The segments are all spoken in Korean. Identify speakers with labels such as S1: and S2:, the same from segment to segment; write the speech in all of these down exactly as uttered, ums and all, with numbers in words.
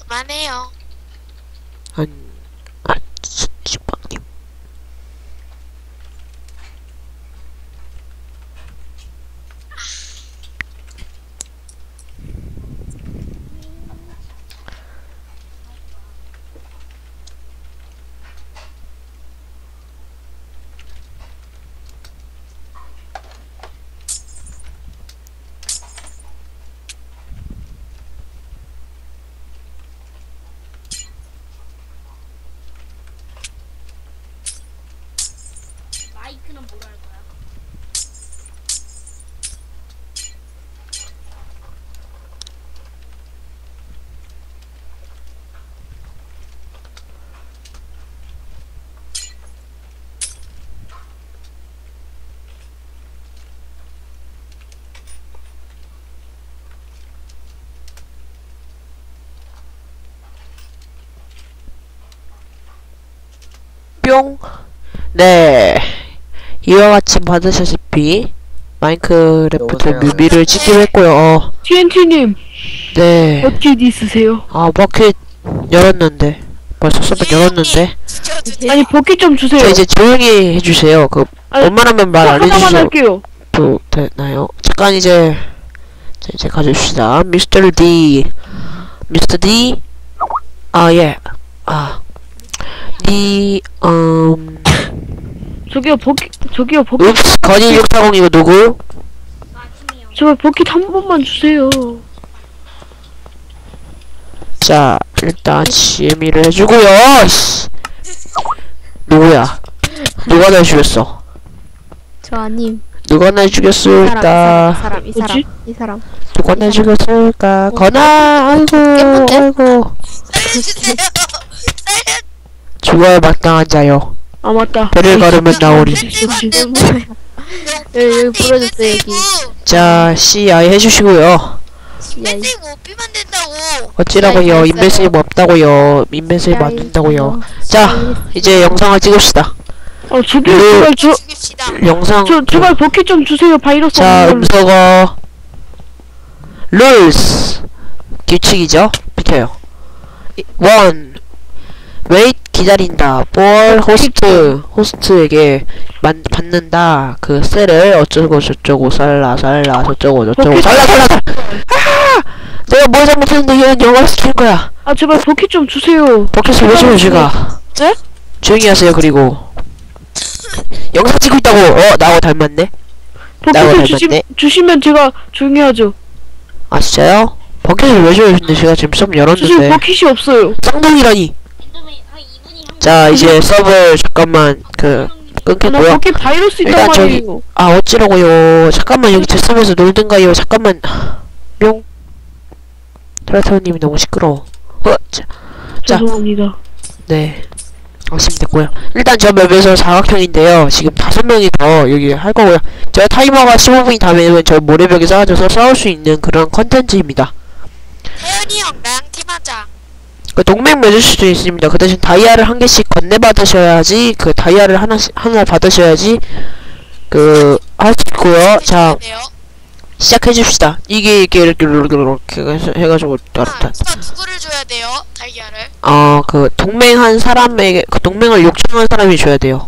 S1: 그만해요.
S2: 한, 아, 식빵님.
S3: 마이크는 뭐라 할 거야?
S2: 뿅. 네. 이와 같이 받으셨다시피 마인크래프트
S4: 여보세요?
S2: 뮤비를 찍기로 했고요. 어,
S5: 티엔티님
S2: 네.
S5: 버킷 있으세요?
S2: 아, 버킷 열었는데. 벌써 서버 열었는데.
S1: 지켜주세요.
S5: 아니 버킷 좀 주세요.
S2: 자, 이제 조용히 해주세요. 그,
S5: 아니,
S2: 웬만하면 말 안
S5: 하나만
S2: 해주셔도
S5: 할게요.
S2: 되나요? 잠깐 이제, 자, 이제 가줍시다. 미스터 D. 미스터 D. 아, 예. 아. D, 음.
S5: 저기요 버킷 저기요 버킷
S2: 읍스, 건이 육사공 이거 누구?
S3: 아침이요.
S5: 제발 버킷 한 번만 주세요.
S2: 자, 일단 지혜미를 해주고요. 씨. 누구야? 누가 날 죽였어?
S6: 저 아님.
S2: 누가 날
S6: 이 사람, 이
S2: 죽였을까?
S6: 사람, 이 사람,
S5: 뭐지?
S6: 이 사람.
S2: 누가 날 죽였을까? 건아, 아이고,
S6: 예쁜데?
S2: 아이고.
S1: 살려주세요. 살려.
S2: 죽어야 마땅한 자요.
S5: 아 맞다.
S2: 배를 걸으면 나오리.
S5: 그렇지.
S6: 여기, 여기 부러졌어, 여기.
S2: 자, 씨, 아이 해주시고요.
S1: 인벤세이브 오피만 된다고.
S2: 어찌라고요?
S6: 야,
S2: 인벤세이브 없다고요. 인벤세이브 안 된다고요. 자, 이제 영상을 찍읍시다.
S5: 어 저기요
S2: 네.
S5: 제발 저
S1: 죽입시다.
S2: 영상.
S5: 저 제발 버킷 좀 주세요. 바이러스
S2: 자,
S5: 없는 걸로.
S2: 음소거. 룰스. 규칙이죠? 비켜요. 원. 웨이트 기다린다. 볼 호스트. 호스트에게 만, 받는다. 그 셀을 어쩌고 저쩌고 살라 살라 저쩌고 저쩌고 살라 살라 살라. 아! 내가 뭘 잘못했는데 얘는 영어를 시킬 거야.
S5: 아 제발 버킷 좀 주세요.
S2: 버킷을 왜 줘요 제가?
S5: 네?
S2: 조용히 하세요. 그리고 영상 찍고 있다고. 어 나하고 닮았네. 나하고
S5: 버킷을 주시,
S2: 닮았네.
S5: 주시면 제가 조용히 하죠.
S2: 아 진짜요? 버킷을 왜 줘요? 근데 제가 지금 썸
S5: 저 지금
S2: 열었는데
S5: 버킷이 없어요.
S2: 쌍둥이라니.
S3: 인터넷 한 이 분이 한
S2: 자 이제 서버 잠깐만 그
S5: 나
S2: 끊겠고요.
S5: 버킷 바이러스 있단
S2: 일단 저기
S5: 말이에요.
S2: 아 어찌라고요. 잠깐만 여기 제 썸에서 놀든가요. 잠깐만. 뿅. 트라타우님이 너무 시끄러워. 어, 자, 자.
S5: 죄송합니다.
S2: 네. 아시면 됐고요. 일단 저 맵에서 사각형인데요. 지금 다섯 명이 더 여기 할 거고요. 제가 타이머가 십오 분이 다 되면 저 모래벽에 쌓아져서 싸울 수 있는 그런 컨텐츠입니다.
S1: 태연이 형 나랑 팀하자.
S2: 그 동맹 맺을 수도 있습니다. 그 대신 다이아를 한 개씩 건네 받으셔야지 그 다이아를 하나씩 하나 받으셔야지 그 할 수 있고요. 자
S1: 돼요?
S2: 시작해 줍시다. 이게 이게 이렇게 이렇게 이렇게 해서 해가지고 따르다.
S1: 아, 누구를 줘야 돼요? 달걀을?
S2: 어그 동맹한 사람에게 그 동맹을 요청한 사람이 줘야 돼요.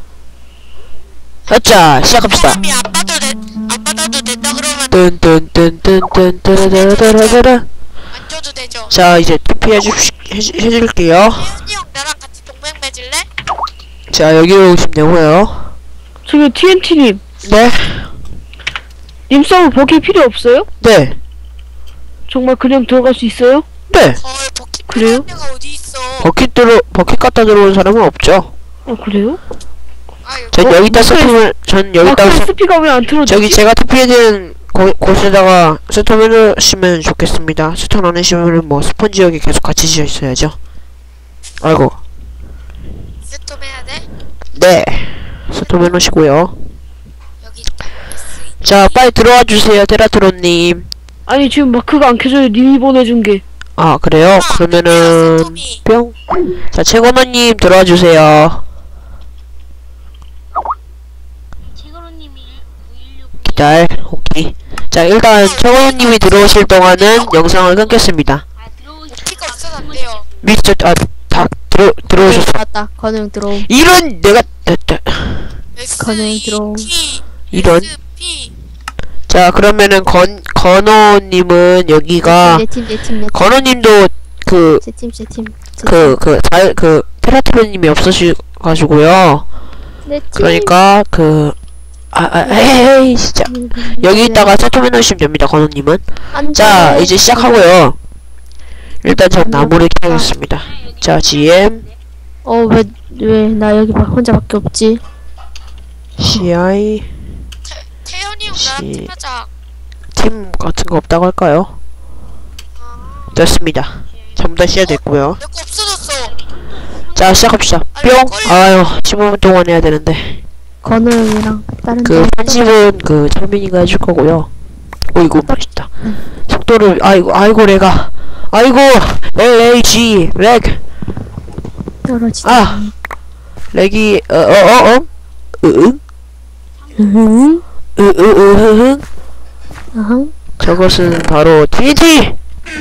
S2: 자 시작합시다.
S1: 사람이 안 받아도 돼, 안 받아도 된다 그러면
S2: 뚠뚠뚠뚠뚠뚠뚠뚠뚠뚠.
S1: 안 줘도 되죠?
S2: 자 이제 투표 해주 해줄게요.
S1: 태연이 형 나랑 같이 동맹 맺을래?
S2: 자 여기로 오시면 되고요.
S5: 저기 티엔티님
S2: 네,
S5: 님 서브 버킷 필요 없어요?
S2: 네,
S5: 정말 그냥 들어갈 수 있어요?
S2: 네.
S1: 헐 버킷
S5: 그래요?
S1: 필요한 데가 어디 있어?
S2: 버킷 들어 버킷 갖다 들어온 사람은 없죠.
S5: 어 그래요?
S1: 아 여기
S2: 전
S5: 어,
S2: 여기다
S5: 무슨-
S2: 스톰을 전
S5: 아
S2: 여기다
S5: 그럼
S2: 스-
S5: 스피가 왜 안 틀어지지?
S2: 저기 제가 투표해드린 곳- 곳에다가 스톰 해주시면 좋겠습니다. 스톰 안 해주시면 뭐 스펀지 여기 계속 같이 지어 있어야죠. 아이고,
S1: 세톰 해야 돼?
S2: 네, 스톰 해놓으시고요.
S1: 여기
S2: 자, 빨리 들어와 주세요, 테라트론님.
S5: 아니 지금 마크가 안 켜져요. 님이 보내준 게.
S2: 아 그래요?
S1: 아,
S2: 그러면은
S1: 세톰이.
S2: 뿅. 자, 최건호님 들어와 주세요.
S3: 최거로님이 구일육
S2: 기다려, 오케이. 자, 일단 최건호님이 들어오실 동안은 영상을 끊겠습니다.
S3: 아 들어오시
S1: 버킷가 없어서 안
S2: 미스터 아다 들어 들어오셨어.
S6: 맞다. 건우 들어옴.
S2: 이런 내가 됐다.
S6: 건우 들어옴.
S2: 이런.
S1: P.
S2: 자 그러면은 건 건호님은 여기가
S6: 내팀 내팀 내팀.
S2: 건호님도 그
S6: 제팀 제팀.
S2: 그 그 잘 그 테라트로님이 없으셔가지고요.
S6: 내팀.
S2: 그러니까 그 아, 아 에이 진짜 여기다가 세톰해 놓으시면 됩니다. 건호님은. 자 이제 시작하고요. 일단 전 나무를 캐겠습니다. 자 지엠
S6: 어왜 왜 나 여기 막 혼자밖에 없지?
S2: 씨아이
S1: 태연이 형
S2: 씨.
S1: 나랑 팀하자.
S2: 팀 같은 거 없다고 할까요?
S1: 아,
S2: 됐습니다. 전부 다 시작됐고요.
S1: 내 거 없어졌어.
S2: 자 시작합시다. 뿅. 아유 십오 분 동안 해야 되는데
S6: 건우 형이랑 다른
S2: 그
S6: 사람
S2: 편집은 그 철민이가 해줄 거고요. 오이고 맛있다. 속도를 아이고 아이고 내가 아이고 엘에이지 렉
S6: 떨어지다.
S2: 아 렉이 어어어어 으응
S6: 응.
S2: 으으으흐흥
S6: 어흥.
S2: 저것은 바로 티엔티.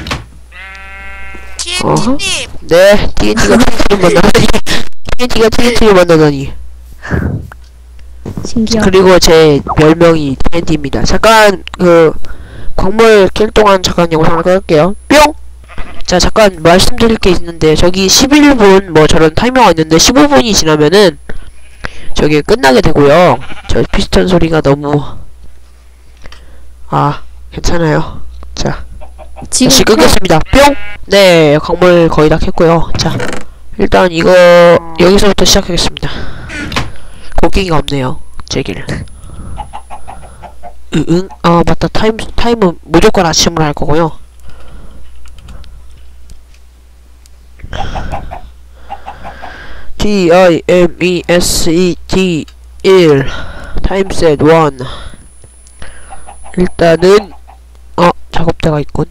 S2: 어허.
S1: 티엔티님.
S2: 네 티엔티가 티엔티를 만나다니 티엔티가 티엔티를 만나다니.
S6: 신기하다.
S2: 그리고 제 별명이 티엔티입니다. 잠깐 그 광물 캘 동안 잠깐 영상을 끌게요. 뿅! 자 잠깐 말씀드릴 게 있는데 저기 십일 분 뭐 저런 타이머가 있는데 십오 분이 지나면은 저기 끝나게 되고요. 저 피스톤 소리가 너무 아 괜찮아요. 자
S6: 지금
S2: 다시 끄겠습니다. 뿅! 네 광물 거의 다 캤고요. 자 일단 이거 여기서부터 시작하겠습니다. 곡괭이가 없네요. 제길. 으응. 아 맞다. 타임 타임은 무조건 아침으로 할 거고요. T I M E S E T 일 타임셋 일. 일단은 어 작업대가 있군.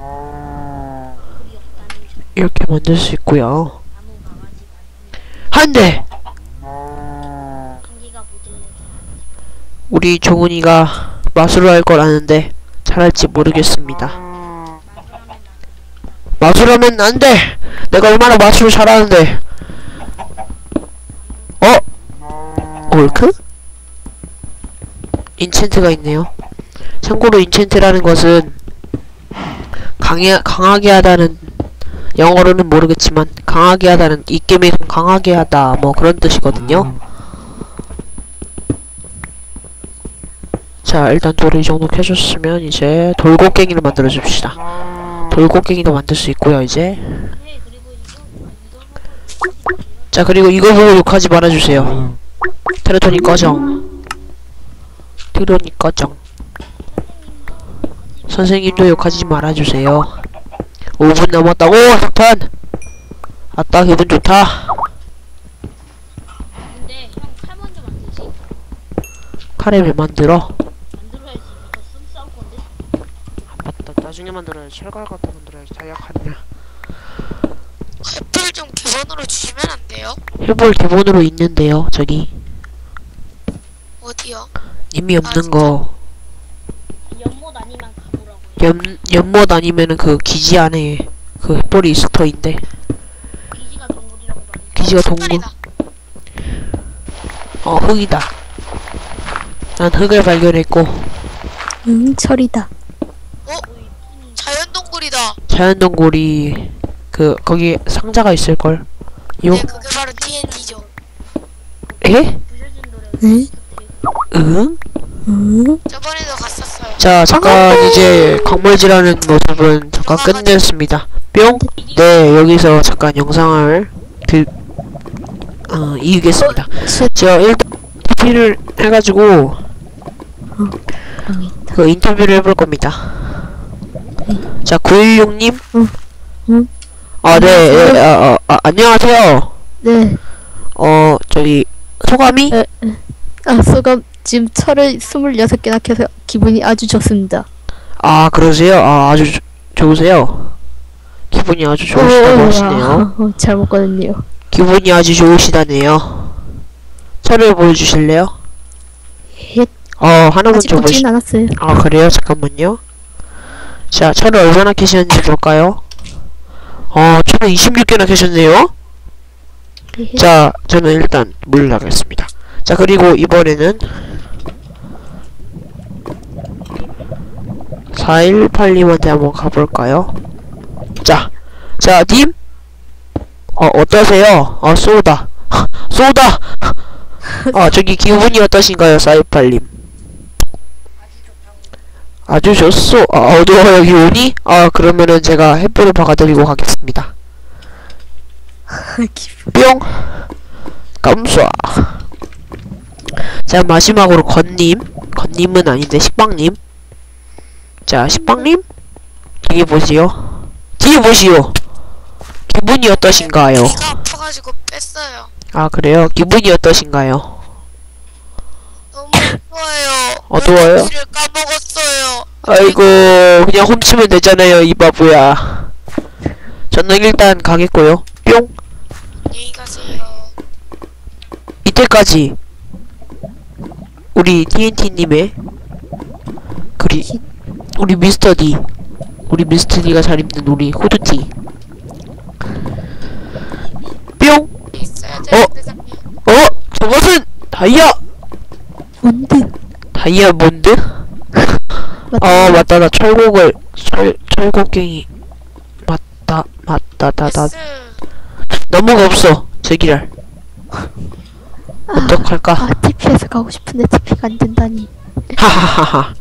S2: 이렇게 만들 수 있고요. 한 대. 우리 종훈이가 마술을 할 걸 아는데 잘할지 모르겠습니다. 마술하면 안 돼! 내가 얼마나 마술을 잘하는데! 어? 올크? 인챈트가 있네요. 참고로 인챈트라는 것은 강해, 강하게 하다는 영어로는 모르겠지만 강하게 하다는 이 게임에서 강하게 하다 뭐 그런 뜻이거든요. 자 일단 돌을 이 정도 캐줬으면 이제 돌곡괭이를 만들어 줍시다. 돌곡괭이도 만들 수 있고요 이제. 자 그리고 이거 보고 욕하지 말아주세요. 테레토니 꺼정. 테레토니 꺼정. 선생님도 욕하지 말아주세요. 오 분 남았다고 석탄. 아따 기분 좋다.
S3: 근데 형 칼 먼저 만들지.
S2: 카레 왜 만들어?
S3: 만들어야지. 이거 쓱 싸울 건데.
S2: 맞다 나중에 만들어야지. 철갈 갖다 만들어야지. 다약하냐.
S1: 햇불 좀 기본으로 주시면 안 돼요?
S2: 힐볼 기본으로 있는데요 저기.
S1: 어디요?
S2: 이미
S1: 아,
S2: 없는
S1: 진짜?
S2: 거.
S3: 연못 아니면 가보라고요.
S2: 연, 연못 아니면은 그 기지 안에 그 햇볼이 있을 터인데.
S3: 기지가 동굴이라고 말해.
S2: 기지가 동굴.
S1: 색깔이다.
S2: 어 흙이다. 난 흙을 발견했고
S6: 응 철이다.
S1: 자연 동굴이다.
S2: 자연동굴이 그 거기 상자가 있을걸. 요?
S1: 네, 그게 바로 티엔티죠.
S2: 에?
S3: 부셔진 노래.
S6: 응?
S2: 응?
S6: 응?
S1: 저번에도 갔었어요.
S2: 자 잠깐 이제 광물질하는 모습은 잠깐 끝냈습니다. 뿅? 네 여기서 잠깐 영상을 드... 어 이으겠습니다. 제가 일단 인터뷰를 해가지고 그 인터뷰를 해볼 겁니다. 자 구일육 님?
S6: 응. 응.
S2: 아 네, 예, 아, 아, 아, 안녕하세요.
S6: 네.
S2: 어 저기 소감이?
S6: 에, 에. 아 소감 지금 철을 스물여섯 개나 켜서 기분이 아주 좋습니다.
S2: 아 그러세요? 아 아주 조, 좋으세요? 기분이 아주 좋으시다고 하시네요.
S6: 어, 잘 먹거든요.
S2: 기분이 아주 좋으시다네요. 차를 보여주실래요?
S6: 예.
S2: 어 하나만
S6: 아직
S2: 좀 보시.
S6: 먹지는 않았어요.
S2: 아 그래요? 잠깐만요. 자 차를 얼마나 캐시는지 볼까요? 어, 저는 이십육 개나 캐셨네요. 자, 저는 일단 물 나가겠습니다. 자, 그리고 이번에는 사일팔님한테 한번 가볼까요? 자, 자, 님? 어, 어떠세요? 어, 쏘다. 쏘다! 아, 저기 기분이 어떠신가요, 사일팔님? 아주 좋소. 아, 어두워요, 기분이? 아, 그러면은 제가 햇불을 박아드리고 가겠습니다. 뿅! 깜쏴. 자, 마지막으로 건님. 건님은 아닌데, 식빵님. 자, 식빵님? 뒤에 보시오. 뒤에 보시오. 기분이 어떠신가요?
S1: 귀가 아파가지고 뺐어요.
S2: 아, 그래요? 기분이 어떠신가요?
S1: 너무 어두워요.
S2: 어두워요?
S1: 를 까먹었어요.
S2: 아이고, 그냥 훔치면 되잖아요, 이 바보야. 저는 일단 가겠고요. 뿅!
S1: 안녕히 가세요.
S2: 이때까지 우리 티엔티님의 그리 우리 미스터 D 우리 미스터 D가 잘 입는 우리 후드티 뿅!
S1: 있어야
S2: 어?
S1: 되는데 잠깐.
S2: 어? 저것은 다이아!
S6: 뭔데?
S2: 다이아몬드? 어 맞다 나 철곡을 철 철곡갱이 맞다 맞다 다다
S1: S.
S2: 나무가 없어 제기랄 어떡할까?
S6: 아, 티피에서 가고 싶은데 티피가 안 된다니.
S2: 하하하하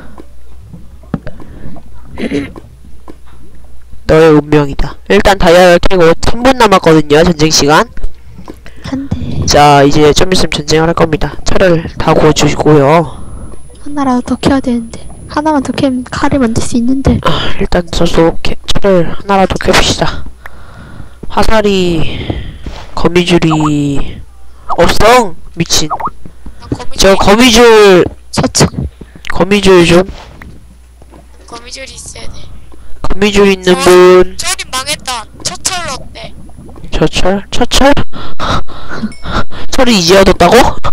S2: 너의 운명이다. 일단 다이아를 캐고 삼 분 남았거든요 전쟁시간.
S6: 한 대.
S2: 자 이제 좀 있으면 전쟁을 할 겁니다. 차를 다 구워주시고요.
S6: 하나라도 더 캐야 되는데. 하나만 더 캐면 칼을 만들 수 있는데.
S2: 아, 일단 저도 캐, 차를 하나라도 캐봅시다. 화살이 거미줄이 없어 미친.
S1: 난 거미줄,
S2: 저 거미줄
S6: 저쪽.
S2: 거미줄 좀
S1: 거미줄이 있어야 돼.
S2: 거미줄 있는 분.
S1: 저리 망했다. 처철 어때?
S2: 저철? 저철? 철이 이제 얻었다고?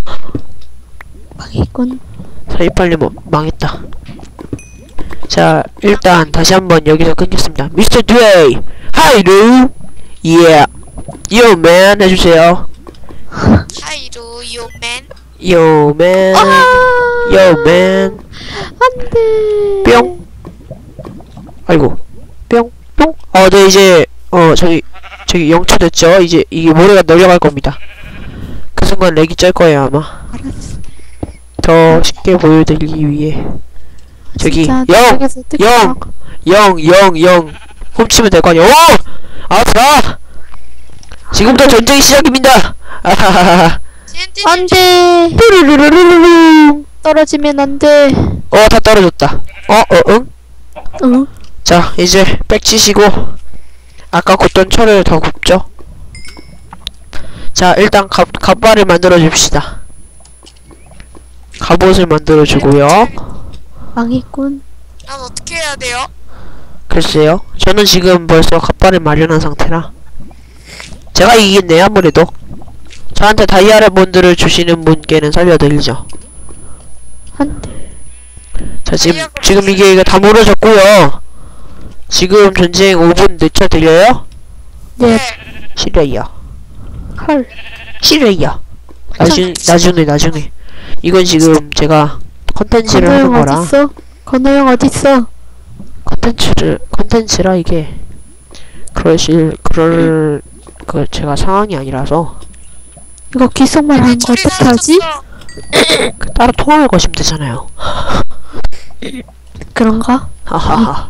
S6: 망했군.
S2: 사이팔리 뭐 망했다. 자 일단 다시 한번 여기서 끊겠습니다. 미스터 드웨이 하이루 예 요맨 해주세요.
S1: 하이루 요맨.
S2: 요맨 요맨
S6: 안 돼.
S2: 뿅 아이고 뿅 뿅 어 네 이제 어 저기 저기 영초 됐죠. 이제 이게 모래가 내려갈 겁니다. 그 순간 렉이 짤 거예요 아마.
S6: 알았어.
S2: 더 쉽게 보여드리기 위해 저기
S6: 진짜
S2: 영!
S6: 저쪽에서 뜯겨.
S2: 영! 영! 영! 영! 훔치면 될 거 아니야. 오! 알았어! 지금부터 전쟁이 시작입니다! 아하하하.
S1: 티엔티
S6: 안 돼.
S2: 뚜루루루루루.
S6: 떨어지면 안 돼.
S2: 어, 다 떨어졌다. 어, 어, 응?
S6: 응.
S2: 자, 이제 빽치시고 아까 굽던 철을 더 굽죠? 자, 일단 갑, 갑발을 만들어 줍시다. 갑옷을 만들어 주고요.
S6: 망했군.
S1: 난 어떻게 해야 돼요?
S2: 글쎄요. 저는 지금 벌써 갑발을 마련한 상태라 제가 이기겠네요 아무래도. 저한테 다이아몬드를 주시는 분께는 살려드리죠.
S6: 안 돼.
S2: 자 지금 지금 이게 이거 다 무너졌고요. 지금 전쟁 오 분 늦춰드려요?
S6: 네.
S2: 싫어요.
S6: 헐.
S2: 싫어요. 나중 나중에 나중에. 이건 지금 제가 컨텐츠를 하는
S6: 건호형
S2: 거라.
S6: 어딨어? 건호형 어딨어?
S2: 컨텐츠를 컨텐츠라 이게 그러실 그럴 그 제가 상황이 아니라서
S6: 이거 귓속말 하는 거 어떻게 하지?
S2: 그 따로 통화를 거시면 되잖아요.
S6: 그런가?
S2: 하하하.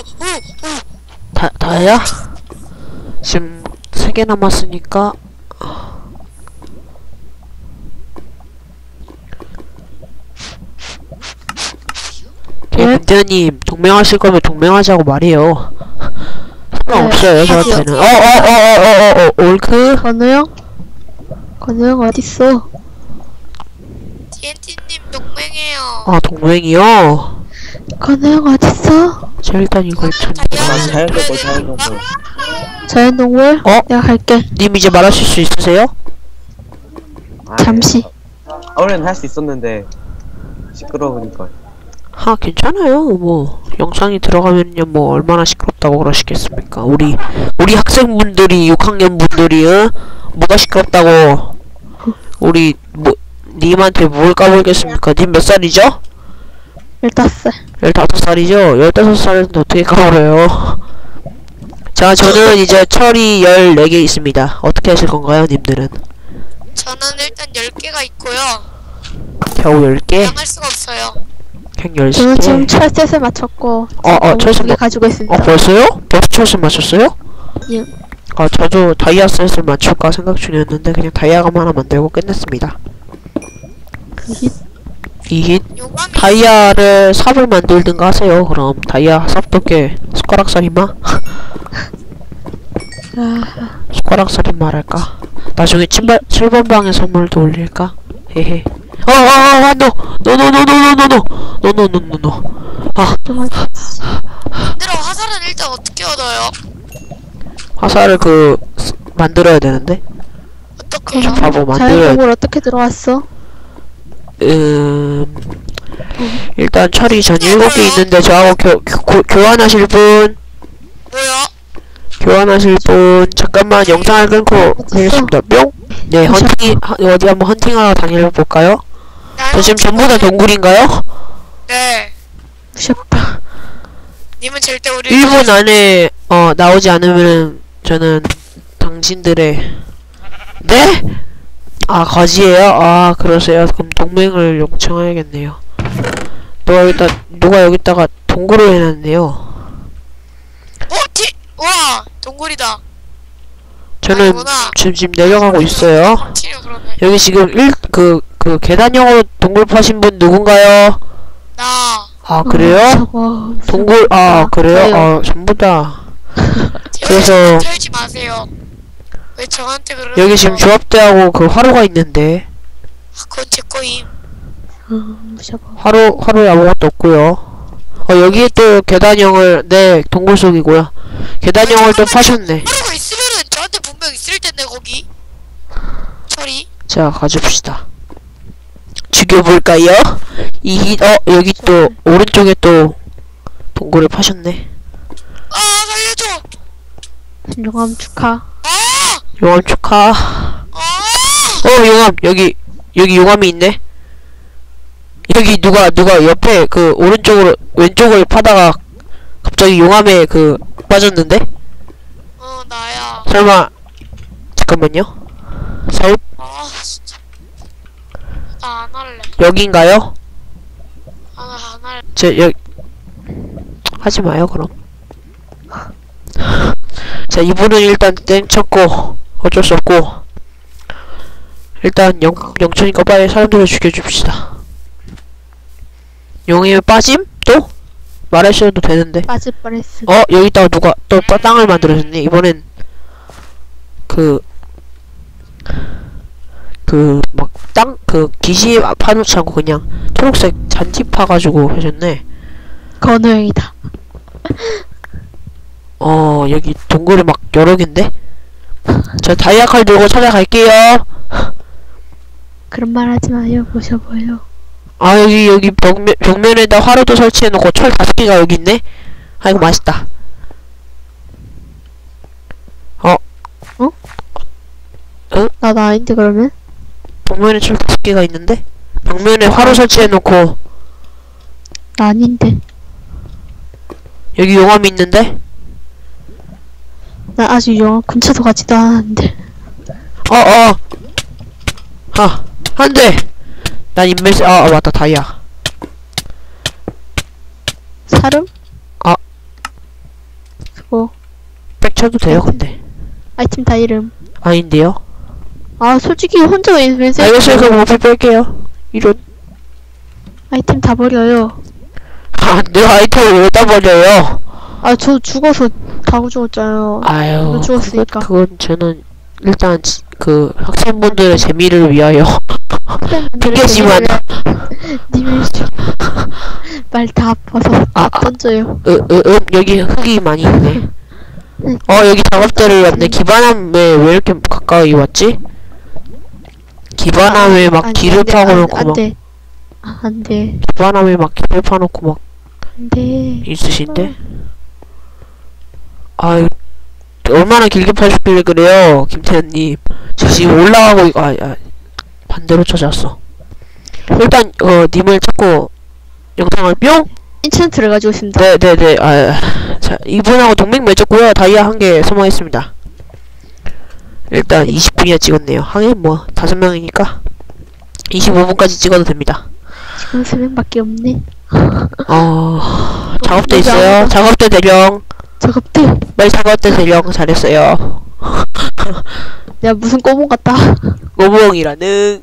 S2: 다 다야? 지금 세 개 남았으니까. 김대님 동맹하실 거면 동맹하자고 말해요. 상관없어요 저한테는. 어어어어어어 올크.
S6: 건호형? 건호형 어딨어?
S1: 티엔티님 동맹해요.
S2: 아 동맹이요.
S6: 건호형 어딨어?
S2: 자 일단 이걸 좀.
S1: 다이아몬드
S4: 자연스럽고
S1: 그래야 되니까.
S4: 자연스럽고
S6: 자연동물?
S2: 어?
S6: 내가 갈게.
S2: 님 이제 말하실 수 있으세요?
S6: 잠시.
S4: 원래는 할 수 있었는데 시끄러우니까.
S2: 아, 괜찮아요. 뭐 영상이 들어가면요 뭐 얼마나 시끄럽다고 그러시겠습니까? 우리 우리 학생분들이 육 학년 분들이 어? 뭐가 시끄럽다고 우리 뭐 님한테 뭘 까불겠습니까? 님 몇 살이죠?
S6: 열다섯 살.
S2: 열다섯 살이죠? 열다섯 살인데 어떻게 까불어요? 자, 저는 이제 철이 열네 개 있습니다. 어떻게 하실 건가요, 님들은?
S1: 저는 일단 열 개가 있고요.
S2: 겨우 열 개?
S1: 양할 수가 없어요.
S2: 그냥 열
S6: 저는
S2: 개?
S6: 지금 철셋을 맞췄고
S2: 어, 어, 철새
S6: 개
S2: 뭐-
S6: 가지고 있습니다.
S2: 어, 벌써요? 벌써 철수 맞췄어요?
S6: 예.
S2: 아, 저도 다이아 셋을 맞출까 생각 중이었는데 그냥 다이아감 하나 만들고 끝냈습니다. 이 힛
S1: 요감이
S2: 다이아를 삽을 만들든가 하세요. 그럼 다이아 삽도께 숟가락 살인마? 숟가락 살인마 할까? 나중에 칠번 칠번 방에 선물도 올릴까? 헤헤. 어어어 노! 노노노노노노노노노노노노. 아,
S1: 얘들아 화살은 일단 어떻게 얻어요?
S2: 화살을 그 스- 만들어야 되는데.
S1: 어떻게요?
S2: 바보 만들어야
S6: 자연동굴 어떻게 들어왔어?
S2: 음 일단 철이 전 일곱 개 있는데 저하고 교, 교, 교환하실 분
S1: 뭐야?
S2: 교환하실 분 잠깐만 영상을 끊고 하겠습니다. 뿅. 네 헌팅 하- 어디 한번 헌팅하러 다녀볼까요? 저 지금 전부 다 동굴인가요?
S1: 네.
S6: 무섭다.
S1: 님은 절대 우리
S2: 일 분 안에 어 나오지 않으면 저는 당신들의 네? 아 거지예요? 아 그러세요? 그럼 동맹을 요청해야겠네요. 누가 여기다 누가 여기다가 동굴을 해놨네요.
S1: 어? 티! 와! 동굴이다.
S2: 저는
S1: 아니구나.
S2: 지금 지금 내려가고 있어요.
S1: 치료 그러네.
S2: 여기 지금 일 그 그 계단형으로 동굴 파신 분 누군가요?
S1: 나.
S2: 아 그래요?
S6: 저거
S2: 동굴 아 그래요?
S6: 저요.
S2: 아 전부 다
S1: 제발
S2: 그래서-
S1: 털지 마세요. 왜 저한테 그러세요?
S2: 여기 지금 조합대하고 그 화로가 있는데
S1: 아, 그건 제 거임.
S6: 음, 무서워.
S2: 화로 화로에 아무것도 없고요. 어 여기에 또 계단형을 네 동굴 속이고요. 계단형을 또 파셨네.
S1: 하루가 있으면은 저한테 분명 있을 텐데 거기. 철이.
S2: 자 가줍시다. 죽여볼까요? 이 어 여기 또 오른쪽에 또 동굴을 파셨네.
S1: 아 살려줘.
S6: 용암 축하.
S1: 아!
S2: 용암 축하.
S1: 아!
S2: 어 용암 여기 여기 용암이 있네. 여기 누가 누가 옆에 그 오른쪽으로 왼쪽을 파다가 갑자기 용암에 그 빠졌는데?
S1: 어 나야.
S2: 설마 잠깐만요. 설
S1: 아 진짜. 나 안 할래.
S2: 여긴가요?
S1: 아 나 안 할래.
S2: 저 여 하지 마요 그럼. 자 이분은 일단 땡쳤고 어쩔 수 없고 일단 영 영천이니까 빨리 사람들을 죽여줍시다. 용에 빠짐? 또? 말하셔도 되는데.
S6: 빠질 뻔했어.
S2: 어 여기다가 누가 또 빠- 땅을 만들어줬네. 이번엔 그 그 막 땅 그 기시 파놓지 않고 그냥 초록색 잔디 파가지고 하셨네.
S6: 건우형이다.
S2: 어 여기 동굴이 막 여러 갠데? 저 다이아 칼 들고 찾아갈게요.
S6: 그런 말 하지 마요. 무서워요.
S2: 아 여기 여기 벽면, 벽면에다 화로도 설치해놓고 철 다섯 개가 여기 있네? 아이고 맛있다.
S6: 나도 아닌데 그러면?
S2: 벽면에 철 다섯 개가 있는데? 벽면에 화로 설치해놓고
S6: 나 아닌데.
S2: 여기 용암이 있는데?
S6: 나 아직 영화 근처도 가지도 않았는데.
S2: 어어 아 안돼 난 인벤스 아, 아 맞다 다이아
S6: 사름?
S2: 아.
S6: 그거
S2: 백 쳐도 돼요 근데
S6: 아이템 다 이름.
S2: 아닌데요?
S6: 아 솔직히 혼자 인벤스
S2: 알겠어요 그럼 어플 뺄게요 이런
S6: 아이템 다 버려요.
S2: 아 내가 아이템을 왜다 버려요
S6: 아 저 죽어서 다 죽었잖아요.
S2: 아유
S6: 너 죽었으니까.
S2: 그건, 그건 저는 일단 지- 그 학생분들의 재미를 위하여 핑계지만
S6: 님을 말 다 아파서
S2: 아,
S6: 다 던져요.
S2: 으, 으, 음, 여기 흙이 많이 있네. 어, 여기 작업대를 왔네. 기반함에 왜 이렇게 가까이 왔지? 기반함에 막
S6: 아니,
S2: 길을
S6: 안 돼,
S2: 파고
S6: 안-
S2: 놓고
S6: 안
S2: 막.
S6: 돼. 아, 안 돼.
S2: 바람에 막 길을 파놓고 막
S6: 안 돼.
S2: 있으신데? 아유, 얼마나 길게 파셨길래 그래요, 김태현님. 저 지금 올라가고, 있- 아, 아, 반대로 찾아왔어. 일단, 어, 님을 찾고, 영상을 뿅?
S6: 인챈트를 가지고 있습니다.
S2: 네네네, 아, 자, 이분하고 동맹 맺었고요. 다이아 한 개 소모했습니다. 일단, 이십 분이나 찍었네요. 하긴 뭐, 다섯 명이니까, 이십오 분까지 찍어도 됩니다.
S6: 지금 세 명밖에 없네.
S2: 어, 작업대 있어요. 작업대 대령.
S6: 작업대.
S2: 빨리 작업대 대령. 잘했어요.
S6: 내가 무슨 꼬봉 같다.
S2: 꼬부엉이라는.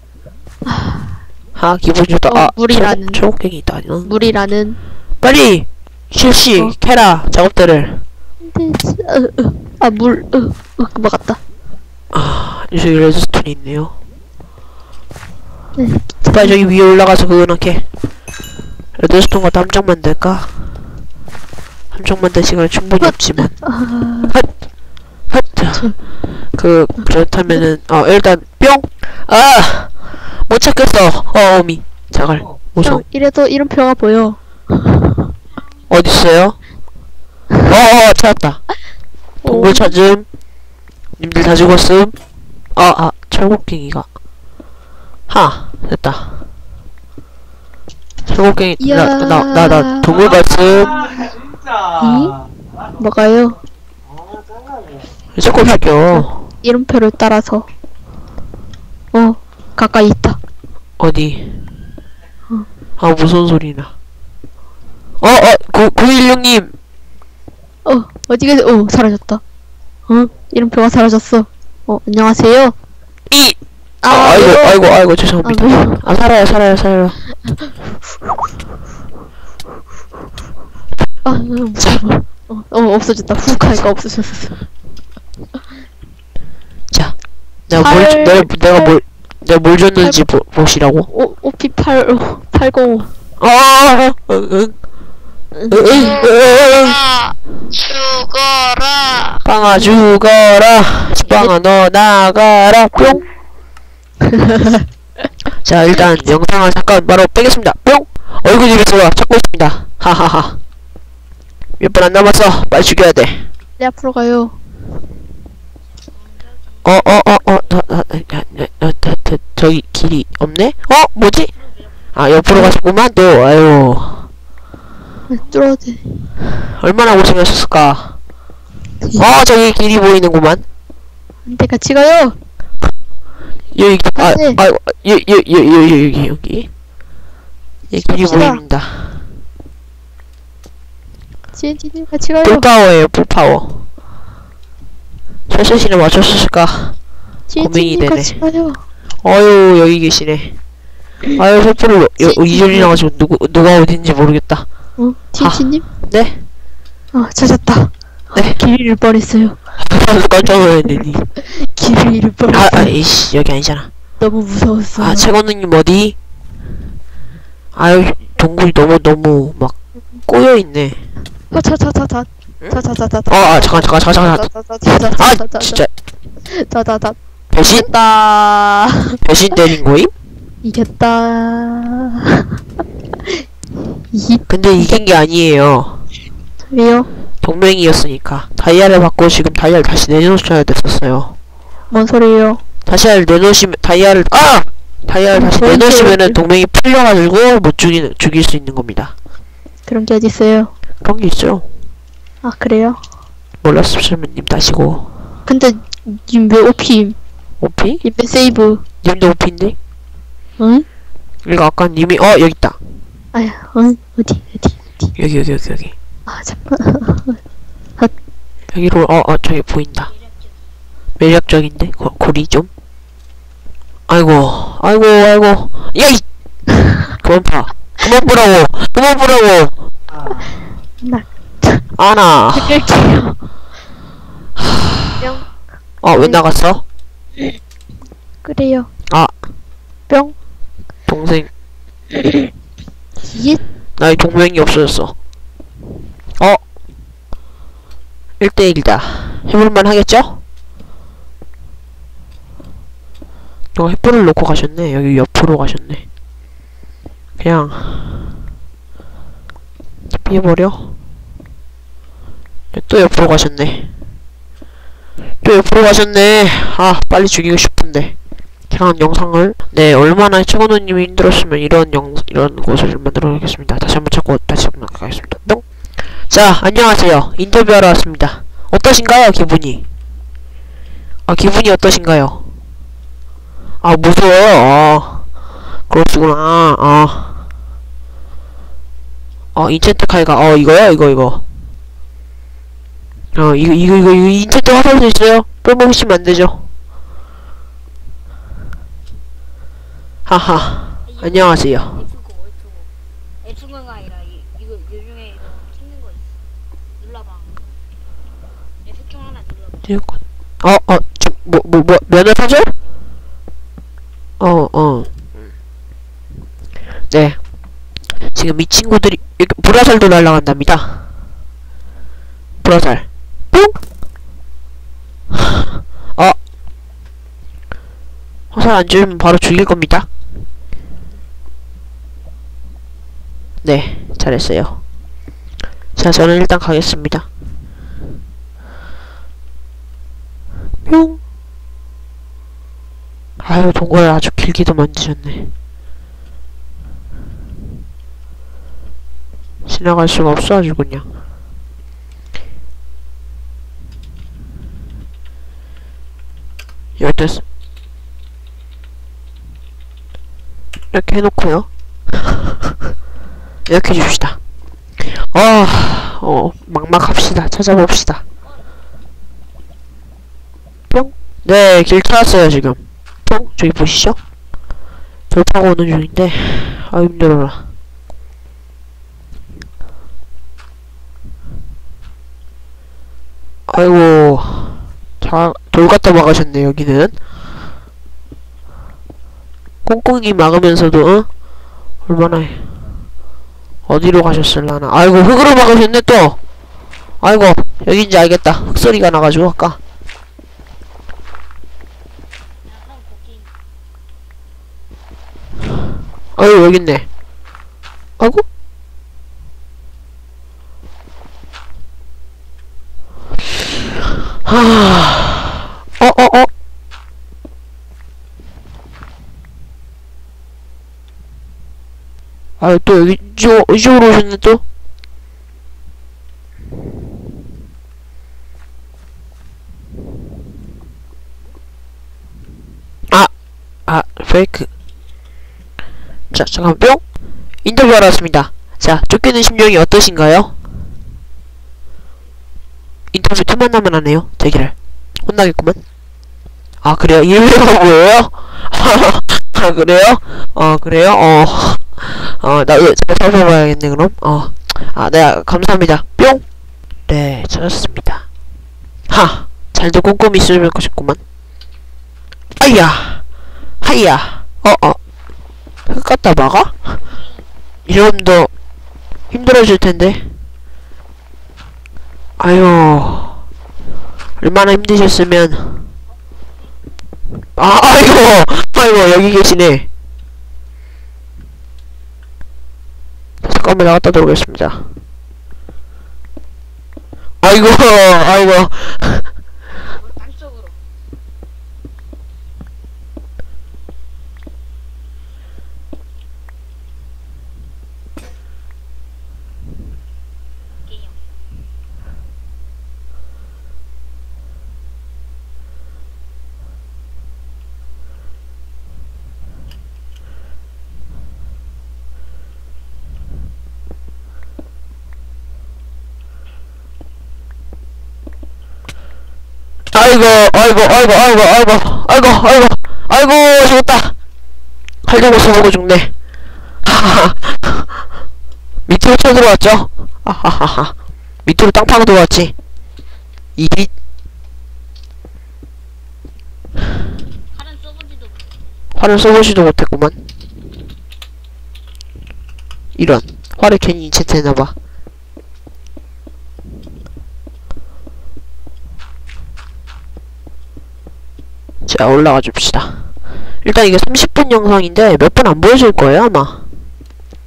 S2: 아, 기분 좋다.
S6: 어,
S2: 아,
S6: 물이라는.
S2: 철- 철곡갱이 있다. 응.
S6: 물이라는.
S2: 빨리! 실시!
S6: 어.
S2: 캐라! 작업대를.
S6: 안 돼. 어, 어. 아, 물. 어, 어, 막았다.
S2: 아, 여기 레드스톤이 있네요.
S6: 네.
S2: 빨리 저기 위에 올라가서 그거 넣게. 레드스톤 갖다 함정 만들까? 함정 만들 시간이 충분히 없지만.
S6: 아,
S2: 핫! 핫! 그, 그렇다면은, 어, 일단, 뿅! 아! 못 찾겠어! 어, 어미. 자갈. 무서워.
S6: 형, 이래도 이런 표가 보여.
S2: 어딨어요? 어어, 찾았다. 동굴 찾음. 님들 다 죽었음. 아, 아, 철곡갱이가. 하, 됐다. 철곡갱이, 나, 나, 나, 나, 동굴 봤음.
S6: 이? 뭐가요?
S2: 자꾸 사겨.
S6: 이름표를 따라서. 어, 가까이 있다.
S2: 어디? 아, 무슨 소리나. 어, 어, 구, 구일육님.
S6: 어, 어디 계세요? 어, 사라졌다. 어, 이름표가 사라졌어. 어, 안녕하세요.
S2: 이! 아,
S6: 아,
S2: 아이고,
S6: 왜요?
S2: 아이고, 아이고,
S6: 아,
S2: 죄송합니다.
S6: 왜요?
S2: 아, 살아요, 살아요, 살아요.
S6: 아, 무서워. 어, 어, 없어졌다. 훅 하니까 없어졌어.
S2: 자, 내가 뭘,
S6: 팔-
S2: 내가, 내가
S6: 팔-
S2: 뭘, 내가 뭘 줬는지 보, 보시라고.
S6: 오, 오피 팔, 어, 팔공오.
S2: 어, 어, 응, 응, 응, 응, 응.
S1: 아, 죽어라.
S2: 빵아 죽어라. 빵아 너 나가라. 뿅. 자, 일단 영상을 잠깐 바로 빼겠습니다. 뿅. 얼굴이 들어 찾고 있습니다. 하하하. 몇 분 안 남았어. 빨리 죽여야 돼.
S6: 네, 앞으로 가요.
S2: 어, 어, 어, 어, 나, 나, 나, 나, 나, 나, 나, 저기 길이 없네? 어, 뭐지? 아, 옆으로 가셨구만 또. 아유,
S6: 뚫어야 돼.
S2: 얼마나 고생하셨을까. 어, 저기 길이 보이는구만.
S6: 안 돼, 같이 가요.
S2: 여기, 아,
S6: 네.
S2: 아, 여, 여, 여, 여, 여, 여기, 여기. 예, 길이
S6: 갑시다.
S2: 보입니다.
S6: 지엔티님 같이 가요.
S2: 풀파워예요, 풀파워. 철수씨는 맞췄을까? 고민이
S6: 지엔티님
S2: 되네.
S6: 같이 가요.
S2: 어유, 여기 계시네. 아유, 셀프를 이전이 나가지고 누구, 누가 어딘지 모르겠다.
S6: 어, 지엔티님?
S2: 네?
S6: 어, 찾았다.
S2: 네?
S6: 길 잃을 뻔했어요.
S2: 깜짝 놀랐네.
S6: 길을 잃을
S2: 아,
S6: 뻔했어요.
S2: 아, 이씨, 여기 아니잖아.
S6: 너무 무서웠어.
S2: 아, 최건우님 어디? 아유, 동굴이 너무, 너무, 막, 꼬여있네.
S6: 어, 자자자자. 자자자자.
S2: 어, 아, 잠깐, 잠깐, 잠깐, 잠깐. 아, 진짜,
S6: 자자자.
S2: 배신?
S6: 이겼다.
S2: 배신 때린 거임?
S6: 이겼다. 이
S2: 근데 이긴 게 아니에요.
S6: 왜요?
S2: 동맹이었으니까. 다이아를 받고 지금 다이아를 다시 내놓으셔야 됐었어요.
S6: 뭔 소리예요?
S2: 다시아를 내놓으시면, 다이아를, 아! 다이아를 다시
S6: 뭔
S2: 내놓으시면은
S6: 소리를.
S2: 동맹이 풀려가지고 못 죽이는, 죽일 수 있는 겁니다.
S6: 그런 게 어딨어요?
S2: 그런 게 있어요.
S6: 아, 그래요?
S2: 몰랐으면 님 다시고.
S6: 근데 님 왜 오피임?
S2: 오피?
S6: 님 왜 세이브?
S2: 님도 오피인데?
S6: 응?
S2: 이거 아까 님이, 어, 여기 있다.
S6: 아야, 응? 어디 어디 어디?
S2: 여기, 여기, 여기, 여기.
S6: 아, 잠깐.
S2: 여기로, 어, 어, 저기 보인다. 매력적인데? 고, 고리 좀? 아이고, 아이고, 아이고. 야, 이! 그만 봐. 그만 보라고! 그만 보라고!
S6: 나
S2: 아나.
S6: 끌게요. 뿅.
S2: 어, 왜 나갔어?
S6: 그래요.
S2: 아.
S6: 뿅.
S2: 동생.
S6: 예.
S2: 나의 동맹이 없어졌어. 어? 일 대일이다. 해볼만 하겠죠? 어, 횃불을 놓고 가셨네. 여기 옆으로 가셨네. 그냥 피해버려. 또 옆으로 가셨네. 또 옆으로 가셨네. 아, 빨리 죽이고 싶은데. 이상한 영상을. 네, 얼마나 최건우님이 힘들었으면 이런 영 이런 곳을 만들어야겠습니다. 다시 한번 찾고 다시 한번 가겠습니다. 뿅. 자, 안녕하세요. 인터뷰하러 왔습니다. 어떠신가요, 기분이? 아, 기분이 어떠신가요? 아, 무서워요. 아, 그렇구나. 아, 어, 인챈트 칼가. 어, 이거요? 이거, 이거. 어, 이거, 이거, 이거, 이거, 인챈트 화살도 있어요? 빼먹으시면 안 되죠. 하하. 안녕하세요.
S3: F고 F고 F가 아니라 이, 이거 요즘에 이거 찍는 거 있어. 눌러봐. F중 하나 눌러봐.
S2: 어, 어, 좀, 뭐, 뭐, 뭐, 면허 사절? 어, 어. 네. 지금 이 친구들이, 이렇게 불화살도 날라간답니다. 불화살. 뿅! 어. 화살 안 주면 바로 죽일 겁니다. 네, 잘했어요. 자, 저는 일단 가겠습니다. 뿅! 아유, 동굴을 아주 길게도 만드셨네. 지나갈 수가 없어, 아주 그냥. 열댓, 이렇게 해놓고요. 이렇게 해줍시다. 어, 어, 막막합시다. 찾아봅시다. 뿅? 네, 길 찾았어요, 지금. 뿅? 저기 보시죠? 돌파하고 오는 중인데, 아, 힘들어라. 아이고, 자, 돌 갖다 막으셨네, 여기는. 꽁꽁이 막으면서도, 어? 얼마나, 해. 어디로 가셨을라나. 아이고, 흙으로 막으셨네, 또! 아이고, 여긴지 알겠다. 흙소리가 나가지고, 아까. 아이고, 여깄네. 아이고? 하, 어, 어, 어. 아, 또 여기, 이쪽, 이쪽으로 오셨네, 또? 아! 아, 페이크. 자, 잠깐, 뿅! 인터뷰하러 왔습니다. 자, 쫓기는 심정이 어떠신가요? 인터뷰 틈만 나면 하네요. 대기를. 혼나겠구만. 아, 그래요? 일부러 뭐예요? 아, 그래요? 어, 그래요? 어, 어, 나, 잘 살펴봐야겠네, 그럼. 어, 아, 네, 감사합니다. 뿅! 네, 찾았습니다. 하! 잘도 꼼꼼히 쓰실 것이구만. 아이야! 하이야! 어, 어. 흙 갖다 막아? 이러면 더 힘들어질 텐데. 아유, 얼마나 힘드셨으면. 아, 아이고, 아이고, 여기 계시네. 잠깐만 나갔다 들어오겠습니다. 아이고, 아이고.
S3: 땅속으로.
S2: 아이고, 아이고, 아이고, 아이고, 아이고, 아이고, 아이고, 아이고, 죽었다. 칼 들고 써보고 죽네. 하하하. 밑으로 쳐들어왔죠? 하하하하. 밑으로 땅 파고 들어왔지. 이,
S3: 칼은 써보지도 못해.
S2: 활을 써보지도 못했구만. 이런. 활을 괜히 인챈트 했나봐. 자, 올라가 줍시다. 일단 이게 삼십 분 영상인데 몇 분 안 보여줄 거예요, 아마.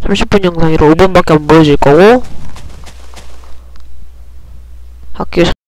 S2: 삼십 분 영상이라 오 분밖에 안 보여질 거고 학교